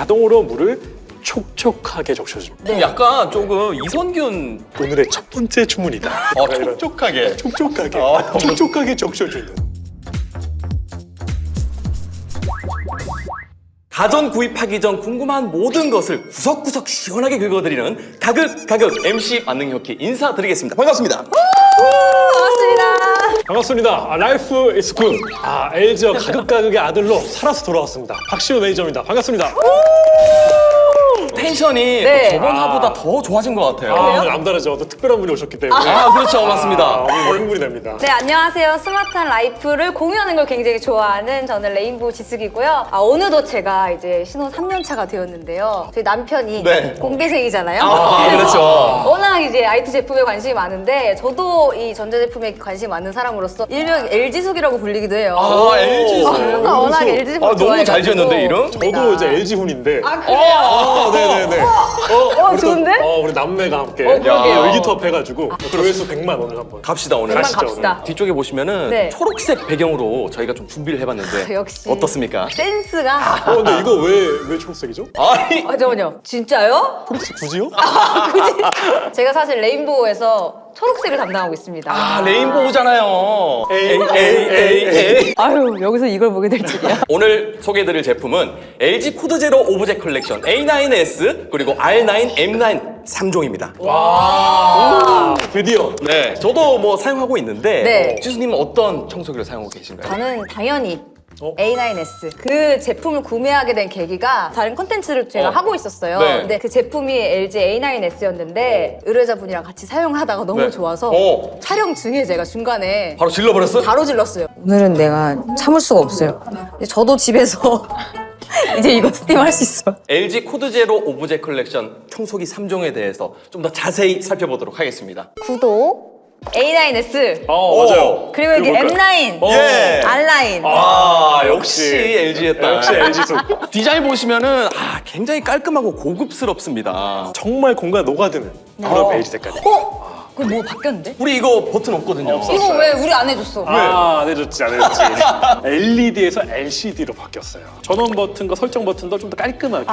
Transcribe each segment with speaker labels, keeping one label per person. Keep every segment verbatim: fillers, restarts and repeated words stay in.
Speaker 1: 자동으로 물을 촉촉하게 적셔줍니다.
Speaker 2: 좀 약간 조금 이선균
Speaker 1: 오늘의 첫 번째 주문이다.
Speaker 2: 어, 촉촉하게
Speaker 1: 촉촉하게,
Speaker 2: 어.
Speaker 1: 촉촉하게 적셔주는.
Speaker 2: 가전 구입하기 전 궁금한 모든 것을 구석구석 시원하게 긁어드리는 가극 가극 엠씨 만능혁기 인사드리겠습니다. 반갑습니다.
Speaker 3: 반갑습니다.
Speaker 1: 반갑습니다. 아, 라이프 이즈 굿. 아, 엘지와 가극가극의 아들로 살아서 돌아왔습니다. 박시우 매니저입니다. 반갑습니다.
Speaker 2: 텐션이
Speaker 3: 네.
Speaker 2: 저번
Speaker 1: 아.
Speaker 2: 화보다 더 좋아진 것 같아요.
Speaker 1: 아, 오늘 남다르죠. 또 특별한 분이 오셨기 때문에.
Speaker 2: 아, 그렇죠. 맞습니다.
Speaker 1: 아, 오늘 흥분이 됩니다.
Speaker 3: 네, 안녕하세요. 스마트한 라이프를 공유하는 걸 굉장히 좋아하는 저는 레인보우 지숙이고요. 아, 어느덧 제가 이제 신혼 삼 년 차가 되었는데요. 저희 남편이
Speaker 2: 네.
Speaker 3: 공대생이잖아요.
Speaker 2: 아,
Speaker 3: 그래서
Speaker 2: 그렇죠.
Speaker 3: 워낙 이제 아이티 제품에 관심이 많은데 저도 이 전자제품에 관심이 많은 사람으로서 일명 엘지숙이라고 불리기도 해요.
Speaker 2: 아, 엘지.
Speaker 3: 아, 워낙 엘지 제품
Speaker 2: 아, 너무 잘 지었는데, 이름?
Speaker 1: 저도 이제 엘지훈인데.
Speaker 3: 아, 그래요?
Speaker 1: 아, 네네네. 어,
Speaker 3: 어, 좋은데?
Speaker 1: 또, 어, 우리 남매가 함께
Speaker 3: 어, 그러게요.
Speaker 1: 의기투합 해가지고 조회수 백만 오늘 한번.
Speaker 2: 갑시다, 오늘.
Speaker 3: 백만
Speaker 1: 가시죠,
Speaker 3: 갑시다.
Speaker 2: 뒤쪽에 보시면은
Speaker 3: 네.
Speaker 2: 초록색 배경으로 저희가 좀 준비를 해봤는데
Speaker 3: 역시.
Speaker 2: 어떻습니까?
Speaker 3: 센스가.
Speaker 1: 어, 근데 이거 왜, 왜 초록색이죠?
Speaker 2: 아니,
Speaker 3: 아, 잠깐만요. 진짜요?
Speaker 1: 초록색 굳이요?
Speaker 3: 굳이? 제가 사실 레인보우에서 초록색을 담당하고 있습니다.
Speaker 2: 아, 레인보우잖아요.
Speaker 1: 에이,
Speaker 2: 에이, 에이, 에이.
Speaker 3: 아유, 여기서 이걸 보게 될 줄이야.
Speaker 2: 오늘 소개해드릴 제품은 엘지 코드 제로 오브젝 컬렉션 에이 나인 에스 그리고 알 나인, 엠 나인 삼 종입니다.
Speaker 1: 와, 드디어.
Speaker 2: 네, 저도 뭐 사용하고 있는데
Speaker 3: 네.
Speaker 2: 지수님은 어떤 청소기를 사용하고 계신가요?
Speaker 3: 저는 당연히
Speaker 1: 어?
Speaker 3: 에이 나인 에스 그 제품을 구매하게 된 계기가 다른 콘텐츠를 제가
Speaker 2: 어.
Speaker 3: 하고 있었어요.
Speaker 2: 네.
Speaker 3: 근데 그 제품이 엘지 에이 나인 에스였는데 의뢰자분이랑 같이 사용하다가 너무
Speaker 2: 네.
Speaker 3: 좋아서
Speaker 2: 어.
Speaker 3: 촬영 중에 제가 중간에
Speaker 2: 바로 질러버렸어?
Speaker 3: 바로 질렀어요. 오늘은 내가 참을 수가 없어요. 저도 집에서 이제 이거 스팀할 수 있어.
Speaker 2: 엘지 코드 제로 오브젝 컬렉션 청소기 삼 종에 대해서 좀 더 자세히 살펴보도록 하겠습니다.
Speaker 3: 구독 에이 나인 에스
Speaker 1: 어, 맞아요.
Speaker 3: 그리고 여기
Speaker 1: 뭘까요?
Speaker 3: 엠 나인,
Speaker 1: 어.
Speaker 2: 예.
Speaker 3: 알 나인.
Speaker 2: 아, 역시 엘지였다.
Speaker 1: 역시 엘지수.
Speaker 2: 디자인 보시면은 아, 굉장히 깔끔하고 고급스럽습니다.
Speaker 1: 정말 공간 녹아드는 그런 베이지 색깔이.
Speaker 3: 어? 그거 뭐 바뀌었는데?
Speaker 2: 우리 이거 버튼 없거든요.
Speaker 1: 없어.
Speaker 3: 이거 왜 우리 안 해줬어?
Speaker 1: 아, 안 해줬지, 안 해줬지. 엘이디에서 엘시디로 바뀌었어요. 전원 버튼과 설정 버튼도 좀 더 깔끔하게.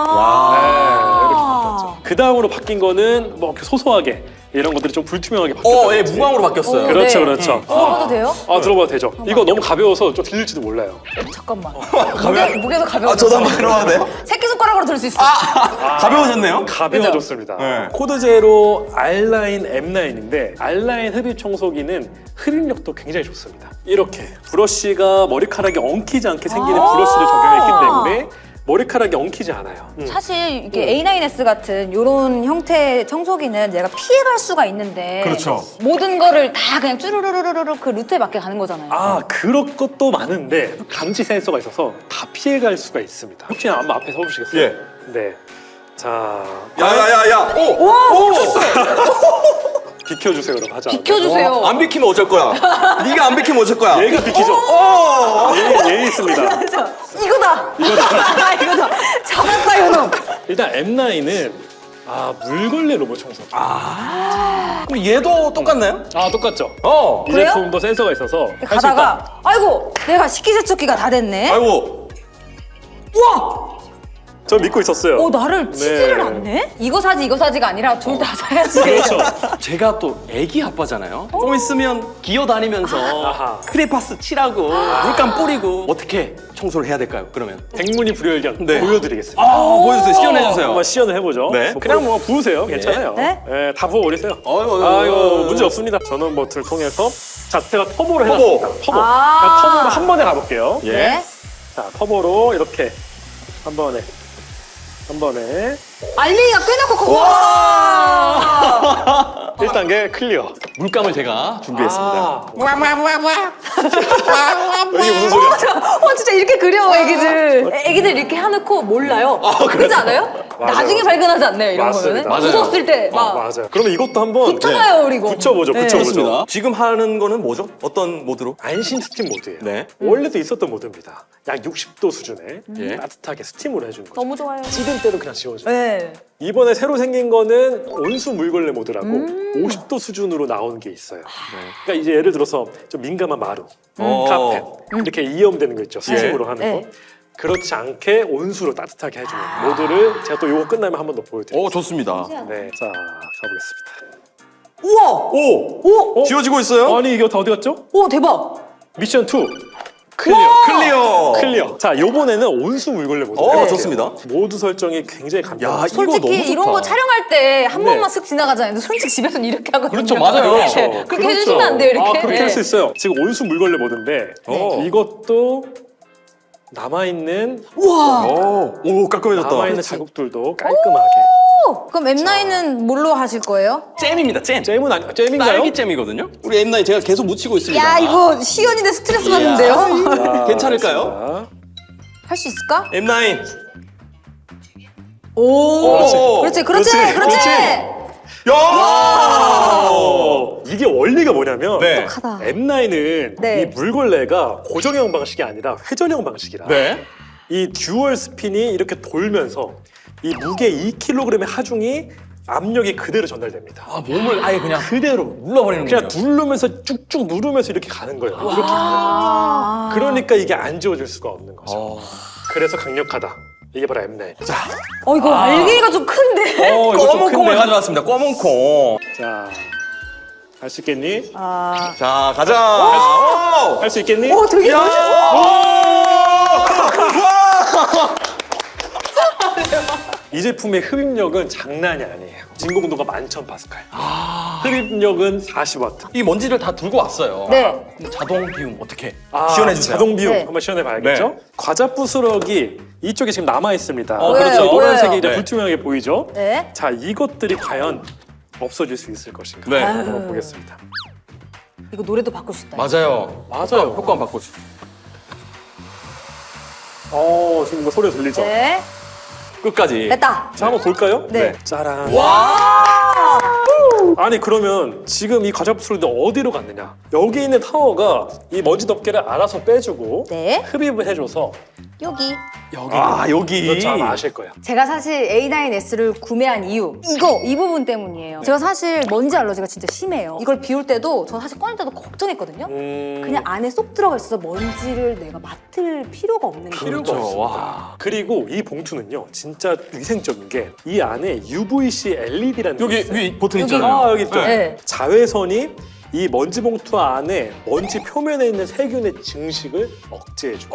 Speaker 3: 아.
Speaker 1: 네, 이렇게 바뀌었죠. 그 다음으로 바뀐 거는 뭐 이렇게 소소하게 이런 것들이 좀 불투명하게 바뀌었다.
Speaker 2: 어, 예, 무광으로 바뀌었어요.
Speaker 1: 그렇죠,
Speaker 3: 네.
Speaker 1: 그렇죠.
Speaker 3: 들어봐도 돼요?
Speaker 1: 아, 들어봐도 되죠. 이거 너무 가벼워서 좀 들릴지도 몰라요.
Speaker 3: 잠깐만. 무게, 무게도 가벼워.
Speaker 2: 아, 저도 한번 들어봐도 돼요?
Speaker 3: 새끼손가락으로 들 수 있어.
Speaker 2: 가벼워졌네요?
Speaker 1: 가벼워졌습니다.
Speaker 2: 네.
Speaker 1: 코드 제로 알 나인, 엠 나인인데 알 나인 흡입 청소기는 흡입력도 굉장히 좋습니다. 이렇게 브러쉬가 머리카락이 엉키지 않게 생기는
Speaker 3: 아
Speaker 1: 브러쉬를 적용했기 때문에 머리카락이 엉키지 않아요. 음.
Speaker 3: 사실 이게 에이 나인 에스 같은 이런 형태의 청소기는 얘가 피해갈 수가 있는데
Speaker 2: 그렇죠.
Speaker 3: 모든 거를 다 그냥 쭈루루루루루 그 루트에 맞게 가는 거잖아요.
Speaker 1: 아, 그런 것도 많은데 감지 센서가 있어서 다 피해갈 수가 있습니다. 혹시 한번 앞에 서보시겠어요?
Speaker 2: 예.
Speaker 1: 네. 자,
Speaker 2: 야야야야! 오!
Speaker 3: 와,
Speaker 2: 오!
Speaker 1: 비켜주세요, 그럼 하자.
Speaker 3: 비켜주세요.
Speaker 2: 안 비키면 어쩔 거야? 네가 안 비키면 어쩔 거야?
Speaker 1: 얘가 비키죠?
Speaker 2: 오!
Speaker 1: 얘, 얘 있습니다.
Speaker 3: 이거다. 이거다. 이거다. 잡았다 이놈.
Speaker 1: 일단 엠 나인은 아, 물걸레 로봇 청소기. 아,
Speaker 2: 그럼 얘도 똑같나요?
Speaker 1: 똑같죠?
Speaker 2: 어.
Speaker 1: 이
Speaker 3: 그래요?
Speaker 1: 제품도 센서가 있어서 할수 있다.
Speaker 3: 가다가 아이고 내가 식기세척기가 다 됐네.
Speaker 2: 아이고.
Speaker 3: 우와.
Speaker 1: 저 믿고 있었어요.
Speaker 3: 어 나를 치지를
Speaker 1: 네.
Speaker 3: 않네? 이거 사지 이거 사지가 아니라 둘 다 사야지.
Speaker 1: 그렇죠.
Speaker 2: 제가 또 애기 아빠잖아요. 좀 있으면 기어다니면서
Speaker 1: 아하.
Speaker 2: 크레파스 칠하고 물감 뿌리고 어떻게 청소를 해야 될까요? 그러면
Speaker 1: 백문이 불여일견
Speaker 2: 네.
Speaker 1: 보여드리겠습니다.
Speaker 2: 아, 보여주세요. 시연해주세요.
Speaker 1: 한번 시연을 해보죠.
Speaker 2: 네.
Speaker 1: 뭐 그냥 뭐 부으세요. 괜찮아요.
Speaker 3: 네?
Speaker 1: 네, 다 부어버리세요.
Speaker 2: 어이구,
Speaker 1: 아, 이거
Speaker 2: 어이구.
Speaker 1: 문제 없습니다. 전원 버튼을 통해서 자, 제가 터보를
Speaker 2: 터보.
Speaker 1: 해놨습니다. 터보.
Speaker 3: 아.
Speaker 1: 그냥 터보로 한 번에 가볼게요.
Speaker 2: 예.
Speaker 3: 네.
Speaker 1: 자, 터보로 이렇게 한 번에 한 번에
Speaker 3: 알맹이가 꽤 넣고 와.
Speaker 1: 일 단계 클리어.
Speaker 2: 물감을 제가 준비했습니다.
Speaker 1: 아,
Speaker 3: 와와와와.
Speaker 1: 이게 무슨 소리야?
Speaker 3: 어 진짜 이렇게 그려 애기들. 애기들 이렇게 해놓고 몰라요. 그렇지 않아요?
Speaker 1: 맞아요.
Speaker 3: 나중에 발견하지 않나요 이런
Speaker 1: 맞습니다.
Speaker 3: 거는?
Speaker 2: 맞아요.
Speaker 3: 굳었을 때
Speaker 1: 어,
Speaker 3: 막
Speaker 1: 맞아요. 그러면 이것도 한번
Speaker 3: 붙여봐요 우리 이거.
Speaker 1: 붙여보죠.
Speaker 3: 네.
Speaker 1: 붙여보죠.
Speaker 2: 좋습니다. 지금 하는 거는 뭐죠? 어떤 모드로?
Speaker 1: 안심 스팀 모드예요.
Speaker 2: 네.
Speaker 1: 원래도 있었던 모드입니다. 약 육십 도 수준에
Speaker 2: 예.
Speaker 1: 따뜻하게 스팀으로 해주는 거죠.
Speaker 3: 너무 좋아요.
Speaker 1: 찌든 때도 그냥 지워져요.
Speaker 3: 네.
Speaker 1: 이번에 새로 생긴 거는 온수 물걸레 모드라고
Speaker 3: 음.
Speaker 1: 오십 도 수준으로 나온 게 있어요.
Speaker 2: 네.
Speaker 1: 그러니까 이제 예를 들어서 좀 민감한 마루,
Speaker 2: 어.
Speaker 1: 카펫 이렇게 이염되는 거 있죠. 스팀으로 하는
Speaker 3: 네.
Speaker 1: 거. 그렇지 않게 온수로 따뜻하게 해주는 모드를 제가 또 이거 끝나면 한 번 더 보여드릴게요.
Speaker 2: 오, 좋습니다.
Speaker 1: 네, 자 가보겠습니다.
Speaker 3: 우와!
Speaker 2: 오!
Speaker 3: 오!
Speaker 2: 지워지고 있어요?
Speaker 1: 아니 이거 다 어디 갔죠?
Speaker 3: 오, 대박!
Speaker 1: 미션 투 클리어.
Speaker 2: 클리어!
Speaker 1: 클리어. 자, 요번에는 온수 물걸레 모드.
Speaker 2: 어, 좋습니다.
Speaker 1: 모드 설정이 굉장히
Speaker 2: 야,
Speaker 1: 간편해요.
Speaker 2: 이거 너무
Speaker 3: 솔직히 이런
Speaker 2: 좋다.
Speaker 3: 거 촬영할 때 한
Speaker 1: 네.
Speaker 3: 번만 쓱 지나가잖아요. 근데 솔직히 집에서는 이렇게 하거든요.
Speaker 2: 그렇죠, 맞아요.
Speaker 1: 그렇죠.
Speaker 3: 네. 그렇게
Speaker 1: 그렇죠.
Speaker 3: 해주시면 안 돼요, 이렇게.
Speaker 1: 아, 그렇게
Speaker 3: 네.
Speaker 1: 할 수 있어요. 지금 온수 물걸레 모드인데
Speaker 2: 네.
Speaker 1: 이것도 남아있는
Speaker 3: 우와!
Speaker 2: 오, 오 깔끔해졌다.
Speaker 1: 남아있는 자국들도 깔끔하게.
Speaker 3: 오! 그럼 엠나인은 뭘로 하실 거예요?
Speaker 2: 잼입니다, 잼.
Speaker 1: 잼은 아니 잼인가요?
Speaker 2: 딸기 잼이거든요. 우리 엠나인 제가 계속 묻히고 있습니다.
Speaker 3: 야, 이거 시연인데 스트레스 받는데요?
Speaker 1: 자,
Speaker 2: 괜찮을까요?
Speaker 3: 할 수 있을까?
Speaker 2: 엠나인.
Speaker 3: 오!
Speaker 1: 그렇지.
Speaker 3: 그렇지, 그렇지,
Speaker 1: 그렇지,
Speaker 3: 그렇지!
Speaker 1: 그렇지.
Speaker 2: 야!
Speaker 1: 어, 이게 원리가 뭐냐면
Speaker 2: 네.
Speaker 3: 똑똑하다.
Speaker 1: 엠나인은
Speaker 3: 네.
Speaker 1: 이 물걸레가 고정형 방식이 아니라 회전형 방식이라
Speaker 2: 네.
Speaker 1: 이 듀얼 스핀이 이렇게 돌면서 이 무게 이 킬로그램의 하중이 압력이 그대로 전달됩니다.
Speaker 2: 아, 몸을 아예 그냥
Speaker 1: 그대로
Speaker 2: 눌러버리는군요.
Speaker 1: 그냥 누르면서 쭉쭉 누르면서 이렇게 가는 거예요. 이렇게 가는
Speaker 3: 아.
Speaker 1: 거예요. 그러니까 이게 안 지워질 수가 없는 거죠.
Speaker 2: 어.
Speaker 1: 그래서 강력하다. 이게 바로 엠나인. 자,
Speaker 3: 어, 이거 알갱이가 좀 큰데?
Speaker 1: 어, 이거 좀
Speaker 2: 검은 콩을
Speaker 1: 큰데요?
Speaker 2: 가져왔습니다. 검은 콩.
Speaker 1: 자, 할 수 있겠니?
Speaker 3: 아.
Speaker 2: 자, 가자. 오!
Speaker 1: 할 수 있겠니?
Speaker 3: 오, 되게
Speaker 2: 야! 와!
Speaker 1: 이 제품의 흡입력은 장난이 아니에요. 진공도가 만천 파스칼. 흡입력은 사십 와트.
Speaker 2: 이 먼지를 다 들고 왔어요.
Speaker 3: 네.
Speaker 2: 그럼 자동 비움 어떻게
Speaker 1: 아,
Speaker 2: 시연해 주세요.
Speaker 1: 자동 비움
Speaker 3: 네.
Speaker 1: 한번 시연해 봐야겠죠?
Speaker 2: 네.
Speaker 1: 과자 부스러기 이쪽에 지금 남아 있습니다.
Speaker 2: 어,
Speaker 3: 그렇죠.
Speaker 1: 이 노란색이
Speaker 3: 보여요.
Speaker 1: 이제
Speaker 2: 네.
Speaker 1: 불투명하게 보이죠?
Speaker 3: 네.
Speaker 1: 자, 이것들이 과연 없어질 수 있을 것인가?
Speaker 2: 네.
Speaker 1: 한번 보겠습니다.
Speaker 3: 이거 노래도 바꿀 수 있다.
Speaker 2: 맞아요.
Speaker 1: 맞아요.
Speaker 2: 효과 한번 바꿔주.
Speaker 1: 어, 지금 뭐 소리 들리죠?
Speaker 3: 네.
Speaker 2: 끝까지.
Speaker 3: 됐다.
Speaker 1: 자, 한번 볼까요?
Speaker 3: 네.
Speaker 1: 짜란.
Speaker 3: 와!
Speaker 1: 아니 그러면 지금 이 과자 부스러기 어디로 갔느냐? 여기 있는 타워가 이 먼지 덮개를 알아서 빼주고
Speaker 3: 네.
Speaker 1: 흡입을 해줘서
Speaker 3: 여기.
Speaker 1: 여기
Speaker 2: 아, 여기.
Speaker 1: 그렇죠, 아마 아실 거예요.
Speaker 3: 제가 사실 에이 나인 에스를 구매한 이유 이거 이 부분 때문이에요. 제가 사실 먼지 알러지가 진짜 심해요. 이걸 비울 때도 저 사실 꺼낼 때도 걱정했거든요.
Speaker 1: 음...
Speaker 3: 그냥 안에 쏙 들어가 있어서 먼지를 내가 맡을 필요가 없는 거예요.
Speaker 1: 필요가
Speaker 2: 그렇죠.
Speaker 1: 없습니다.
Speaker 2: 와.
Speaker 1: 그리고 이 봉투는요 진짜 위생적인 게 이 안에 유브이씨 엘이디라는 게
Speaker 2: 여기
Speaker 1: 있어요.
Speaker 2: 위 버튼
Speaker 3: 여기.
Speaker 2: 있잖아요.
Speaker 1: 아 여기 있죠.
Speaker 3: 네.
Speaker 1: 자외선이 이 먼지 봉투 안에 먼지 표면에 있는 세균의 증식을 억제해 줍니다.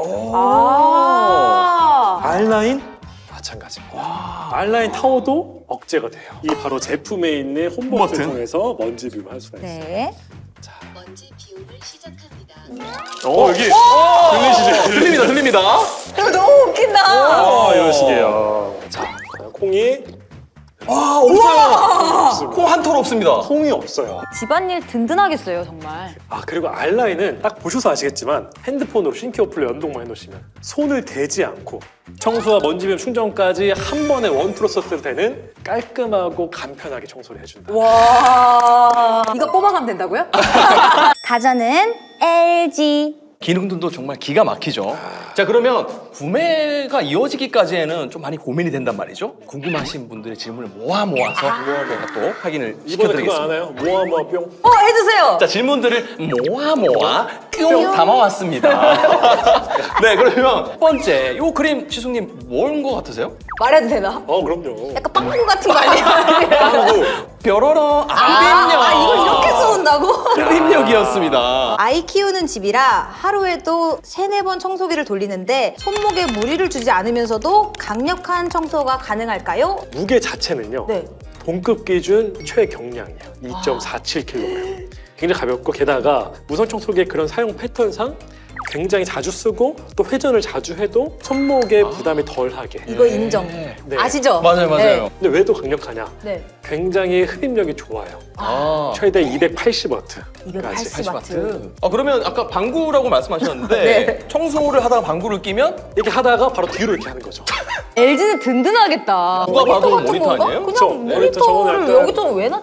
Speaker 3: 아.
Speaker 1: 알라인 마찬가지입니다. 알라인 타워도 억제가 돼요. 이 바로 제품에 있는 홈버튼을
Speaker 2: 버튼?
Speaker 1: 통해서 먼지 비움을 할 수가 있어요.
Speaker 3: 네.
Speaker 4: 먼지 비움을 시작합니다.
Speaker 1: 어 여기 들리시죠?
Speaker 2: 들립니다, 들립니다.
Speaker 3: 이거 너무 웃긴다.
Speaker 1: 아 이런 식이에요. 자 콩이
Speaker 2: 와, 없어요.
Speaker 1: 없습니다.
Speaker 2: 콩 한 톨 없습니다.
Speaker 1: 콩이 없어요.
Speaker 3: 집안일 든든하겠어요, 정말.
Speaker 1: 아 그리고 알라인은 딱 보셔서 아시겠지만 핸드폰으로 싱크 어플로 연동만 해놓으시면 손을 대지 않고 청소와 먼지 비움 충전까지 한 번에 원 프로세스로 되는 깔끔하고 간편하게 청소를 해준다.
Speaker 3: 와. 이거 뽑아가면 된다고요? 가전은 엘지.
Speaker 2: 기능들도 정말 기가 막히죠. 자, 그러면 구매가 이어지기까지에는 좀 많이 고민이 된단 말이죠. 궁금하신 분들의 질문을 모아 모아서 제가 또 확인을
Speaker 1: 이번에 그거
Speaker 2: 시켜드리겠습니다.
Speaker 1: 아나요? 모아 모아 뿅.
Speaker 3: 어, 해주세요.
Speaker 2: 자, 질문들을 모아 모아 뿅 담아왔습니다. 네, 그러면 첫 번째, 요 그림 지숙님 뭔 거 같으세요?
Speaker 3: 말해도 되나?
Speaker 1: 어 그럼요.
Speaker 3: 약간 빵꾸 같은 거 아니에요?
Speaker 2: 뾰로로
Speaker 3: 아,
Speaker 2: 흡입력.
Speaker 3: 아, 이걸 이렇게 써온다고?
Speaker 2: 흡입력이었습니다.
Speaker 3: 아이 키우는 집이라 하루에도 세네 번 청소기를 돌리는데 손목에 무리를 주지 않으면서도 강력한 청소가 가능할까요?
Speaker 1: 무게 자체는요.
Speaker 3: 네.
Speaker 1: 동급 기준 최경량이에요. 이 점 사칠 킬로그램. 굉장히 가볍고 게다가 무선 청소기의 그런 사용 패턴상 굉장히 자주 쓰고 또 회전을 자주 해도 손목에 부담이 덜하게.
Speaker 3: 이거 인정.
Speaker 1: 네.
Speaker 3: 아시죠?
Speaker 2: 맞아요, 맞아요.
Speaker 1: 근데 왜 또 강력하냐?
Speaker 3: 네.
Speaker 1: 굉장히 흡입력이 좋아요.
Speaker 2: 아.
Speaker 1: 최대 이백팔십 와트까지.
Speaker 3: 이백팔십.
Speaker 2: 팔십 와트. 아, 그러면 아까 방구라고 말씀하셨는데
Speaker 3: 네.
Speaker 2: 청소를 하다가 방구를 끼면
Speaker 1: 이렇게 하다가 바로 뒤로 이렇게 하는 거죠.
Speaker 3: 엘지는 든든하겠다.
Speaker 2: 누가 봐도
Speaker 3: 같은
Speaker 2: 모니터
Speaker 3: 건가?
Speaker 2: 아니에요?
Speaker 3: 그냥
Speaker 1: 그쵸. 모니터 저번에
Speaker 3: 모니터를
Speaker 1: 약간-
Speaker 3: 여기 좀 왜 놨지?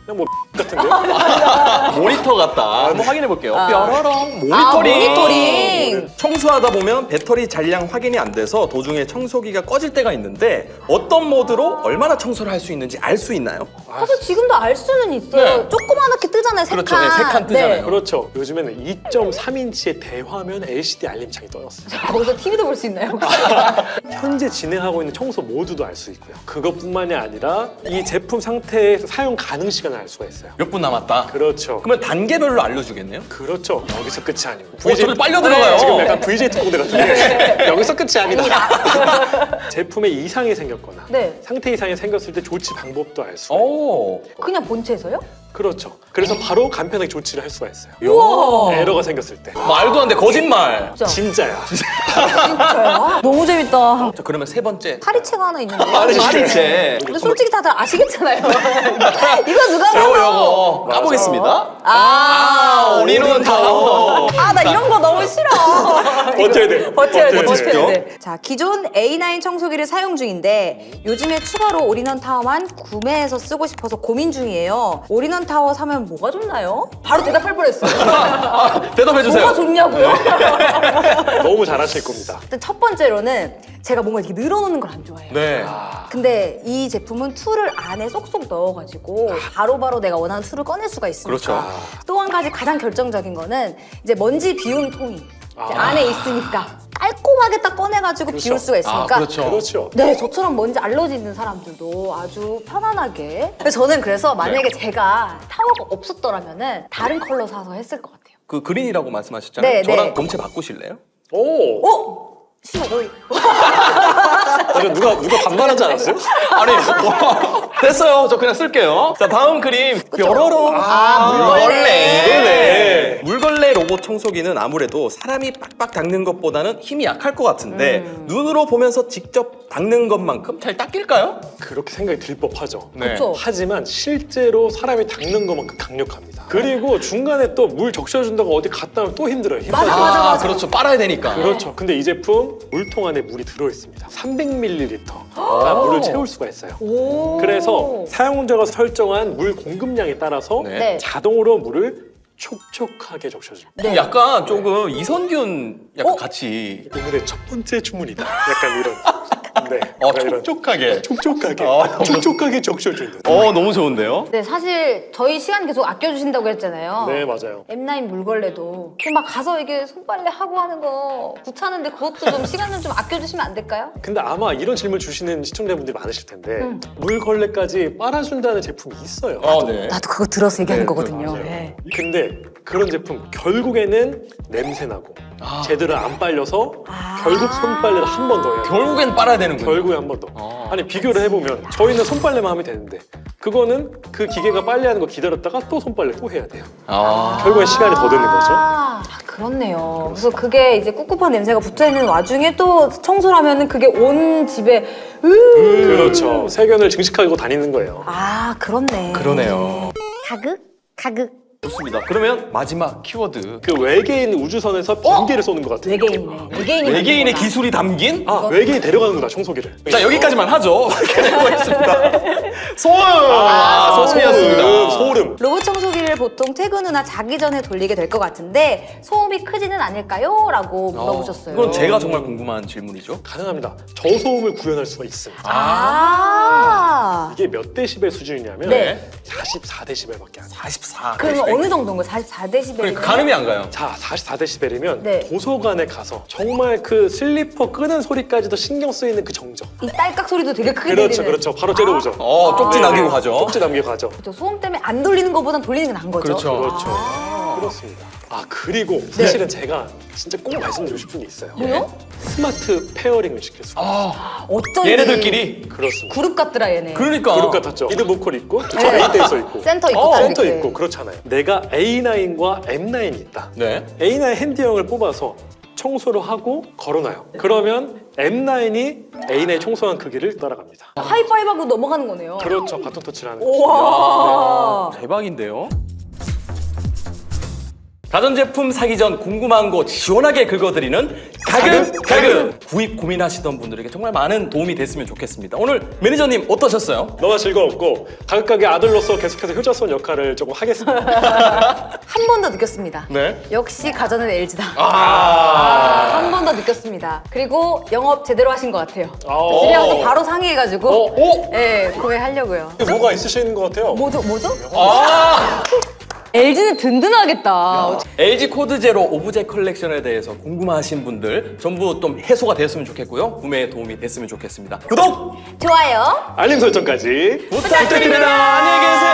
Speaker 1: 그냥 뭐 같은데.
Speaker 2: 모니터 같다. 한번 확인해 볼게요.
Speaker 3: 아.
Speaker 2: 뾰로롱 모니터링.
Speaker 3: 아, 모니터링.
Speaker 2: 청소하다 보면 배터리 잔량 확인이 안 돼서 도중에 청소기가 꺼질 때가 있는데 어떤 모드로 얼마나 청소를 할 수 있는지 알 수 있나요?
Speaker 3: 사실 지금도 알 수는 있어요.
Speaker 2: 네.
Speaker 3: 조그맣게 뜨잖아요, 세 칸.
Speaker 2: 그렇죠. 네, 세칸 뜨잖아요.
Speaker 1: 그렇죠. 요즘에는 이 점 삼 인치의 대화면 엘시디 알림창이 떠났어요.
Speaker 3: 거기서 티비도 볼 수 있나요?
Speaker 1: 현재 진행하고 있는 청소 모드도 알 수 있고요. 그것뿐만이 아니라 이 제품 상태의 사용 가능 시간을 알 수가 있어요.
Speaker 2: 몇 분 남았다.
Speaker 1: 그렇죠.
Speaker 2: 그러면 단계별로 알려주겠네요?
Speaker 1: 그렇죠. 여기서 끝이 아니고.
Speaker 2: 어, 저기 빨려 들어가요.
Speaker 1: 지금 약간 브이제이 특공대 같은데 여기서 끝이 아니다. 제품에 이상이 생겼거나
Speaker 3: 네.
Speaker 1: 상태 이상이 생겼을 때 조치 방법도 알 수가
Speaker 2: 어.
Speaker 1: 있고.
Speaker 2: 오.
Speaker 3: 그냥 본체에서요?
Speaker 1: 그렇죠. 그래서 바로 간편하게 조치를 할 수가 있어요.
Speaker 3: 우와.
Speaker 1: 에러가 생겼을 때.
Speaker 2: 말도 안 돼. 거짓말.
Speaker 3: 진짜.
Speaker 1: 진짜야.
Speaker 3: 진짜요? 너무 재밌다.
Speaker 2: 자, 그러면 세 번째.
Speaker 3: 파리채가 하나 있는데.
Speaker 2: 파리채.
Speaker 3: 근데 솔직히 다들 아시겠잖아요. 이거 누가
Speaker 2: 요거
Speaker 3: 봐도.
Speaker 2: 요거 까보겠습니다.
Speaker 3: 아,
Speaker 2: 우리는 타워.
Speaker 3: 아, 나 이런 거 너무 싫어.
Speaker 1: 버텨야 돼.
Speaker 3: 버텨야 돼,
Speaker 2: 버티십시오.
Speaker 3: 버텨야 돼. 자, 기존 에이 나인 청소기를 사용 중인데 요즘에 추가로 올인원 타워만 구매해서 쓰고 싶어서 고민 중이에요. 올인원 타워 사면 뭐가 좋나요? 바로 대답할 뻔했어요.
Speaker 2: 아, 대답해 주세요.
Speaker 3: 뭐가 좋냐고요?
Speaker 1: 너무 잘하실 겁니다.
Speaker 3: 일단 첫 번째로는 제가 뭔가 이렇게 늘어놓는 걸 안 좋아해요.
Speaker 2: 네.
Speaker 3: 근데 이 제품은 툴을 안에 쏙쏙 넣어가지고 바로바로 내가 원하는 툴을 꺼낼 수가 있으니까.
Speaker 2: 그렇죠.
Speaker 3: 또 한 가지 가장 결정적인 거는 이제 먼지 비움 통이 이제
Speaker 1: 아.
Speaker 3: 안에 있으니까 깔끔하게 딱 꺼내가지고
Speaker 1: 그렇죠.
Speaker 3: 비울 수가 있으니까.
Speaker 2: 아, 그렇죠.
Speaker 1: 그렇죠.
Speaker 3: 네, 저처럼 먼지 알러지 있는 사람들도 아주 편안하게. 그래서 저는 그래서 만약에
Speaker 2: 네.
Speaker 3: 제가 타워가 없었더라면은 다른 컬러 사서 했을 것 같아요.
Speaker 2: 그 그린이라고 말씀하셨잖아요.
Speaker 3: 네,
Speaker 2: 저랑
Speaker 3: 네.
Speaker 2: 본체 바꾸실래요?
Speaker 1: 오.
Speaker 3: 어? 싫어.
Speaker 1: 맞아, 누가 누가 반말하지 않았어요?
Speaker 2: 아니 뭐, 됐어요. 저 그냥 쓸게요. 자 다음 그림 뾰로롱.
Speaker 3: 아, 물걸레.
Speaker 2: 물걸레. 물걸레 로봇 청소기는 아무래도 사람이 빡빡 닦는 것보다는 힘이 약할 것 같은데
Speaker 3: 음.
Speaker 2: 눈으로 보면서 직접 닦는 것만큼 잘 닦일까요?
Speaker 1: 그렇게 생각이 들 법하죠.
Speaker 2: 네.
Speaker 3: 그쵸.
Speaker 1: 하지만 실제로 사람이 닦는 것만큼 강력합니다. 그리고 중간에 또 물 적셔준다고 어디 갔다 오면 또 힘들어요. 힘들어요.
Speaker 3: 맞아, 맞아, 맞아.
Speaker 2: 그렇죠. 빨아야 되니까.
Speaker 1: 그렇죠. 근데 이 제품 물통 안에 물이 들어있습니다. 삼백 밀리리터가 물을 채울 수가 있어요.
Speaker 3: 오.
Speaker 1: 그래서 사용자가 설정한 물 공급량에 따라서
Speaker 2: 네.
Speaker 3: 네.
Speaker 1: 자동으로 물을 촉촉하게 적셔줍니다.
Speaker 3: 네.
Speaker 2: 약간 조금 이선균 약간
Speaker 3: 어?
Speaker 2: 같이
Speaker 1: 오늘의 첫 번째 주문이다. 약간 이런. 네.
Speaker 2: 어,
Speaker 1: 약간 이런.
Speaker 2: 촉촉하게.
Speaker 1: 촉촉하게.
Speaker 2: 어,
Speaker 1: 촉촉하게 적셔주는.
Speaker 2: 어 너무 좋은데요?
Speaker 3: 네, 사실 저희 시간 계속 아껴주신다고 했잖아요.
Speaker 1: 네, 맞아요.
Speaker 3: 엠 나인 물걸레도 그냥 막 가서 이게 손빨래 하고 하는 거 귀찮은데 그것도 좀 시간을 좀 아껴주시면 안 될까요?
Speaker 1: 근데 아마 이런 질문 주시는 시청자분들이 많으실 텐데
Speaker 3: 음.
Speaker 1: 물걸레까지 빨아준다는 제품이 있어요.
Speaker 2: 어, 네.
Speaker 3: 나도 그거 들어서 얘기하는
Speaker 1: 네,
Speaker 3: 거거든요.
Speaker 1: 맞아요.
Speaker 3: 네.
Speaker 1: 근데 그런 제품 결국에는 냄새 나고
Speaker 2: 아.
Speaker 1: 제대로 안 빨려서
Speaker 3: 아.
Speaker 1: 결국 손빨래를 한 번 더 해요.
Speaker 2: 결국엔 빨아야 되는군요.
Speaker 1: 결국에 한 번 더.
Speaker 2: 아.
Speaker 1: 아니 비교를 해보면 저희는 손빨래만 하면 되는데 그거는 그 기계가 빨래하는 거 기다렸다가 또 손빨래 또 해야 돼요.
Speaker 2: 아.
Speaker 1: 결국엔 시간이 더 드는 거죠.
Speaker 3: 아, 그렇네요. 그래서 그게 이제 꿉꿉한 냄새가 붙어 있는 와중에 또 청소를 하면은 그게 온 집에 으.
Speaker 1: 그렇죠. 세균을 증식하고 다니는 거예요.
Speaker 3: 아, 그렇네.
Speaker 2: 그러네요.
Speaker 3: 가극? 가극.
Speaker 2: 좋습니다. 그러면 마지막 키워드.
Speaker 1: 그 외계인 우주선에서 빙계를 쏘는 것 같아요.
Speaker 3: 외계인이네. 외계인이
Speaker 2: 외계인의
Speaker 3: 만든 거다.
Speaker 2: 기술이 담긴?
Speaker 1: 아 외계인이 데려가는구나 청소기를.
Speaker 2: 자 여기까지만 하죠. 해보겠습니다. 소음.
Speaker 3: 아,
Speaker 2: 아, 소음이었습니다.
Speaker 1: 소름, 소름.
Speaker 3: 로봇 청소기를 보통 퇴근 후나 자기 전에 돌리게 될 것 같은데 소음이 크지는 않을까요? 라고 물어보셨어요.
Speaker 2: 이건 제가 정말 궁금한 질문이죠.
Speaker 1: 가능합니다. 저소음을 구현할 수가 있습니다.
Speaker 3: 아.
Speaker 1: 이게 몇 데시벨 수준이냐면
Speaker 3: 네.
Speaker 1: 사십사 데시벨밖에 안 돼요.
Speaker 2: 사십사.
Speaker 3: 그러면 어느 정도인 거예요? 사십사 데시벨.
Speaker 2: 그러니까 가늠이 안 가요.
Speaker 1: 자, 사십사 데시벨이면
Speaker 3: 네.
Speaker 1: 도서관에 가서 정말 그 슬리퍼 끄는 소리까지도 신경 쓰이는 그 정적.
Speaker 3: 이 딸깍 소리도 되게 크게
Speaker 1: 그렇죠,
Speaker 3: 들리는.
Speaker 1: 그렇죠. 바로 째려보죠.
Speaker 2: 어, 쪽지
Speaker 1: 네,
Speaker 2: 남기고
Speaker 1: 네.
Speaker 2: 가죠.
Speaker 1: 쪽지 남기고 가죠.
Speaker 3: 그렇죠. 소음 때문에 안 돌리는 것보단 돌리는 게 나은 거죠.
Speaker 2: 그렇죠.
Speaker 1: 그렇죠.
Speaker 3: 아.
Speaker 1: 그렇습니다. 아, 그리고 사실은 제가 진짜 꼭 말씀드리고 싶은 게 있어요.
Speaker 3: 뭐요?
Speaker 1: 스마트 페어링을 시킬 수가 있어요.
Speaker 2: 아,
Speaker 3: 어쩐지
Speaker 2: 얘네들끼리.
Speaker 1: 그렇습니다.
Speaker 3: 그룹 같더라 얘네.
Speaker 2: 그러니까.
Speaker 1: 그룹 같았죠. 리드 보컬 있고, 저
Speaker 3: 네.
Speaker 1: A 댄서 있고,
Speaker 3: 센터 있고
Speaker 1: 어,
Speaker 3: 딱
Speaker 1: 센터
Speaker 3: 이렇게.
Speaker 1: 있고 그렇잖아요. 내가 에이 나인과 엠 나인이 있다.
Speaker 2: 네.
Speaker 1: 에이 나인 핸디형을 뽑아서 청소를 하고 걸어놔요. 그러면 엠 나인이 에이 나인 청소한 크기를 따라갑니다.
Speaker 3: 하이파이브하고 넘어가는 거네요.
Speaker 1: 그렇죠. 바톤 터치를 하는 거죠.
Speaker 3: 우와.
Speaker 2: 대박인데요. 가전제품 사기 전 궁금한 거 시원하게 긁어드리는 가급 가급! 구입 고민하시던 분들에게 정말 많은 도움이 됐으면 좋겠습니다. 오늘 매니저님 어떠셨어요?
Speaker 1: 너무 즐거웠고 가격가게 아들로서 계속해서 효자손 역할을 조금 하겠습니다.
Speaker 3: 한 번 더 느꼈습니다.
Speaker 2: 네.
Speaker 3: 역시 가전은 엘지다.
Speaker 2: 아.
Speaker 3: 한 번 더 느꼈습니다. 그리고 영업 제대로 하신 것 같아요.
Speaker 1: 아.
Speaker 3: 집에 가서 바로 상의해가지고
Speaker 2: 어? 어?
Speaker 3: 네, 구매하려고요.
Speaker 1: 뭐가 있으신 것 같아요.
Speaker 3: 뭐죠? 뭐죠?
Speaker 2: 아.
Speaker 3: 엘지는 든든하겠다.
Speaker 2: 엘지 코드 제로 오브제 컬렉션에 대해서 궁금하신 분들 전부 좀 해소가 되었으면 좋겠고요. 구매에 도움이 됐으면 좋겠습니다. 구독!
Speaker 3: 좋아요.
Speaker 1: 알림 설정까지
Speaker 2: 부탁드립니다. 안녕히 계세요.